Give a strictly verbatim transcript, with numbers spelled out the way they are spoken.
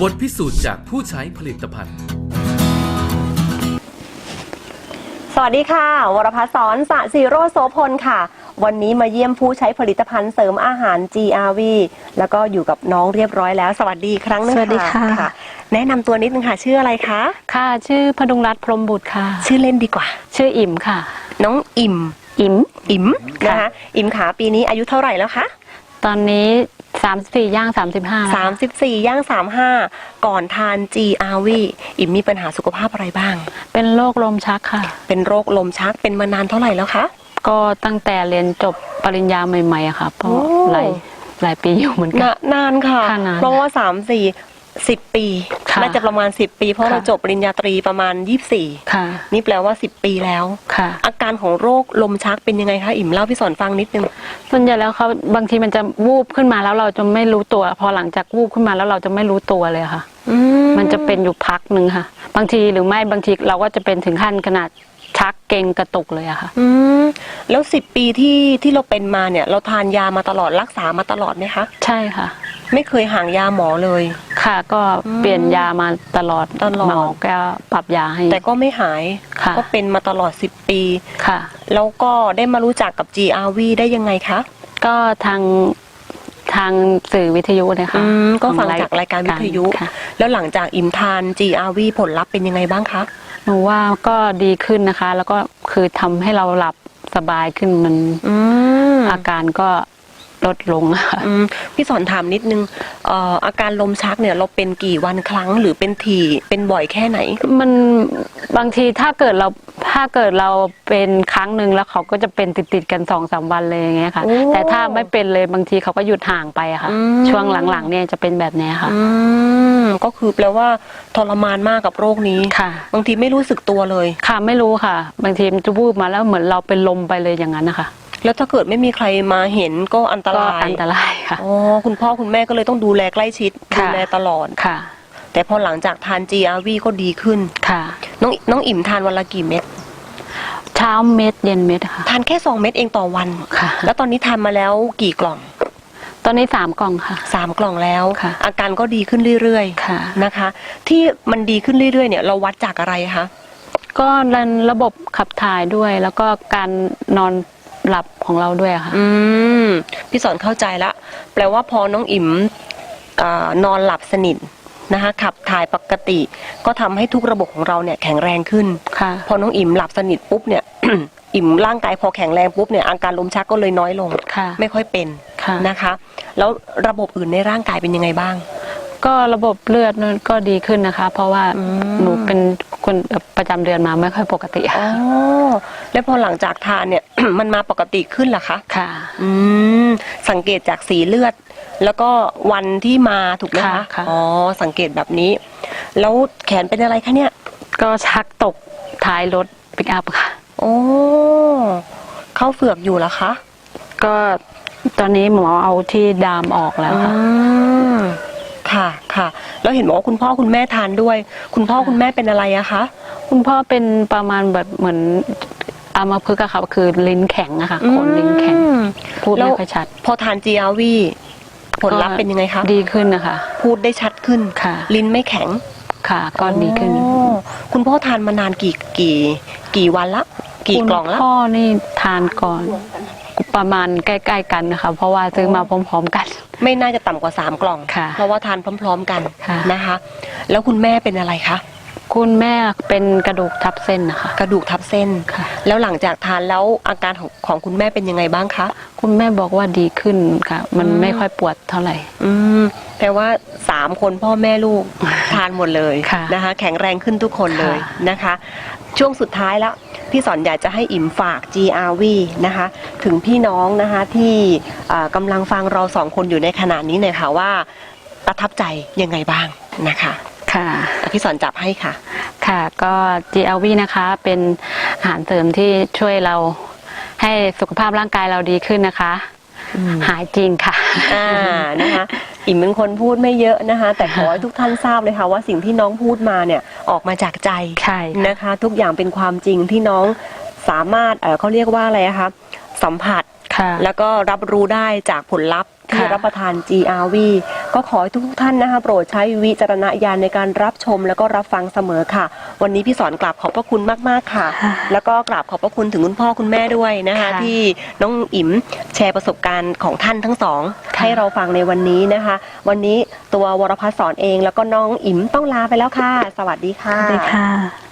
บทพิสูจน์จากผู้ใช้ผลิตภัณฑ์สวัสดีค่ะวรพัฒน์สอนสะศิโรจน์โสพลค่ะวันนี้มาเยี่ยมผู้ใช้ผลิตภัณฑ์เสริมอาหาร จี อาร์ วี แล้วก็อยู่กับน้องเรียบร้อยแล้วสวัสดีครั้งนึงค่ะสวัสดีค่ะแนะนำตัวนิดนึงค่ะชื่ออะไรคะค่ะชื่อพดุงรัตน์พรหมบุตรค่ะชื่อเล่นดีกว่าชื่ออิ่มค่ะน้องอิ่มอิ่มอิ่มนะคะอิ่มขาปีนี้อายุเท่าไหร่แล้วคะตอนนี้สามสิบสี่ย่างสามสิบห้าสามสิบสี่ย่างสามสิบห้าก่อนทาน จี อาร์ วี อิ่มมีปัญหาสุขภาพอะไรบ้างเป็นโรคลมชักค่ะเป็นโรคลมชักเป็นมานานเท่าไหร่แล้วคะก็ตั้งแต่เรียนจบปริญญาใหม่ๆอะค่ะเพราะหลายหลายปีอยู่เหมือนกันนานค่ะเพราะว่าสามสี่สิบปีน่าจะประมาณสิบปีเพราะเราจบปริญญาตรีประมาณยี่สิบสี่นี่แปลว่าสิบปีแล้วอาการของโรคลมชักเป็นยังไงคะอิ่มเล่าพี่สอนฟังนิดนึงส่วนใหญ่แล้วเขาบางทีมันจะวูบขึ้นมาแล้วเราจะไม่รู้ตัวพอหลังจากวูบขึ้นมาแล้วเราจะไม่รู้ตัวเลยค่ะมันจะเป็นอยู่พักหนึ่งค่ะบางทีหรือไม่บางทีเราก็จะเป็นถึงขั้นขนาดชักเกร็งกระตุกเลยอะค่ะอืมแล้วสิบปีที่ที่เราเป็นมาเนี่ยเราทานยามาตลอดรักษามาตลอดไหมคะใช่ค่ะไม่เคยห่างยาหมอเลยค่ะก็เปลี่ยนยามาตลอดตลอดหมอก็ปรับยาให้แต่ก็ไม่หายก็เป็นมาตลอดสิบปีค่ะแล้วก็ได้มารู้จักกับ จี อาร์ วี ได้ยังไงคะก็ทางทางสื่อวิทยุนะคะก็ฟังจากรายการวิทยุแล้วหลังจากอิ่มทาน จี อาร์ วี ผลลัพธ์เป็นยังไงบ้างคะหนูว่าก็ดีขึ้นนะคะแล้วก็คือทำให้เราหลับสบายขึ้นมันอาการก็ลดลงค่ะพี่สอนถามนิดนึงเอ่ออาการลมชักเนี่ยเราเป็นกี่วันครั้งหรือเป็นถี่เป็นบ่อยแค่ไหนมันบางทีถ้าเกิดเราถ้าเกิดเราเป็นครั้งหนึ่งแล้วเขาก็จะเป็นติดๆกันสองสามวันเลยอย่างเงี้ยค่ะแต่ถ้าไม่เป็นเลยบางทีเขาก็หยุดห่างไปอะค่ะช่วงหลังๆเนี่ยจะเป็นแบบนี้ค่ะก็คือแปลว่าทรมานมากกับโรคนี้ค่ะบางทีไม่รู้สึกตัวเลยค่ะไม่รู้ค่ะบางทีมันจะวูบมาแล้วเหมือนเราเป็นลมไปเลยอย่างนั้นนะคะแล้วถ้าเกิดไม่มีใครมาเห็นก็อันตรายอันตรายค่ะอ๋อคุณพ่อคุณแม่ก็เลยต้องดูแลใกล้ชิดดูแลตลอดค่ะแต่พอหลังจากทาน จี อาร์ วี ก็ดีขึ้นค่ะน้องน้องอิ่มทานวันละกี่เม็ดเช้าเม็ดเย็นเม็ดค่ะทานแค่สองเม็ดเองต่อวันค่ะแล้วตอนนี้ทานมาแล้วกี่กล่องตอนนี้สามกล่องค่ะสามกล่องแล้วค่ะอาการก็ดีขึ้นเรื่อยๆค่ะนะคะที่มันดีขึ้นเรื่อยๆเนี่ยเราวัดจากอะไรคะก็ระบบขับถ่ายด้วยแล้วก็การนอนหลับของเราด้วยค่ะอืมพี่สอนเข้าใจละแปลว่าพอน้องอิ่มนอนหลับสนิทนะคะขับถ่ายปกติก็ทำให้ทุกระบบของเราเนี่ยแข็งแรงขึ้นค่ะพอน้องอิ่มหลับสนิทปุ๊บเนี่ย อิ่มร่างกายพอแข็งแรงปุ๊บเนี่ยอาการลมชักก็เลยน้อยลงไม่ค่อยเป็นนะคะแล้วระบบอื่นในร่างกายเป็นยังไงบ้างก็ระบบเลือดนั่นก็ดีขึ้นนะคะเพราะว่าหนูเป็นคนประจำเดือนมาไม่ค่อยปกติอ๋อแล้วพอหลังจากทานเนี่ย มันมาปกติขึ้นเหรอคะค่ะอืมสังเกตจากสีเลือดแล้วก็วันที่มาถูกไหมคะอ๋อสังเกตแบบนี้แล้วแขนเป็นอะไรคะเนี่ยก็ชักตกท้ายรถปิกอัพค่ะโอ้เข้าเฝือกอยู่เหรอคะก็ตอนนี้หมอเอาที่ดามออกแล้วค่ะค่ะค่ะแล้วเห็นบอกว่าคุณพ่อคุณแม่ทานด้วยคุณพ่อคุณแม่เป็นอะไรอะคะคุณพ่อเป็นประมาณแบบเหมือนอัมพฤกษ์อะค่ะคือลิ้นแข็งอะค่ะคนลิ้นแข็งพูดไม่ค่อยชัดพอทาน จี อาร์ วี ผลลัพธ์เป็นยังไงคะดีขึ้นนะคะพูดได้ชัดขึ้นค่ะลิ้นไม่แข็งค่ะก็ดีขึ้นคุณพ่อทานมานานกี่กี่กี่วันละกี่กล่องละพ่อนี่ทานก่อนประมาณใกล้ๆกันนะคะเพราะว่าซื้อมาพร้อมๆกันไม่น่าจะต่ำกว่าสามกล่องเพราะว่าทานพร้อมๆกันนะคะแล้วคุณแม่เป็นอะไรคะคุณแม่เป็นกระดูกทับเส้นนะคะกระดูกทับเส้นแล้วหลังจากทานแล้วอาการของของคุณแม่เป็นยังไงบ้างคะคุณแม่บอกว่าดีขึ้นค่ะมันไม่ค่อยปวดเท่าไหร่อืมแปลว่าสามคนพ่อแม่ลูกทานหมดเลยนะคะแข็งแรงขึ้นทุกคนเลยนะคะช่วงสุดท้ายแล้วพี่สอนอยากจะให้อิ่มฝาก จี อาร์ วี นะคะถึงพี่น้องนะคะที่กำลังฟังเราสองคนอยู่ในขณะนี้หน่อยค่ะว่าประทับใจยังไงบ้างนะคะค่ะพี่สอนจับให้ค่ะค่ะก็ จี อาร์ วี นะคะเป็นอาหารเสริมที่ช่วยเราให้สุขภาพร่างกายเราดีขึ้นนะคะหายจริงค่ะอ่านะคะอิ่มเป็นคนพูดไม่เยอะนะคะแต่ขอให้ทุกท่านทราบเลยค่ะว่าสิ่งที่น้องพูดมาเนี่ยออกมาจากใจนะคะทุกอย่างเป็นความจริงที่น้องสามารถเอ่อเขาเรียกว่าอะไรคะสัมผัสแล้วก็รับรู้ได้จากผลลัพธ์ทที่ค่ะรับประทาน จี อาร์ วี ก็ขอให้ทุกท่านนะคะโปรดใช้วิจารณญาณในการรับชมแล้วก็รับฟังเสมอค่ะ วันนี้พี่สอนกราบขอบพระคุณมากๆค่ะค่ะแล้วก็กราบขอบพระคุณถึงคุณพ่อคุณแม่ด้วยนะคะค่ะที่น้องอิ๋มแชร์ประสบการณ์ของท่านทั้งสองค่ะให้เราฟังในวันนี้นะคะ วันนี้ตัววรพัฒน์สอนเองแล้วก็น้องอิ๋มต้องลาไปแล้วค่ะ สวัสดีค่ะสวัสดีค่ะ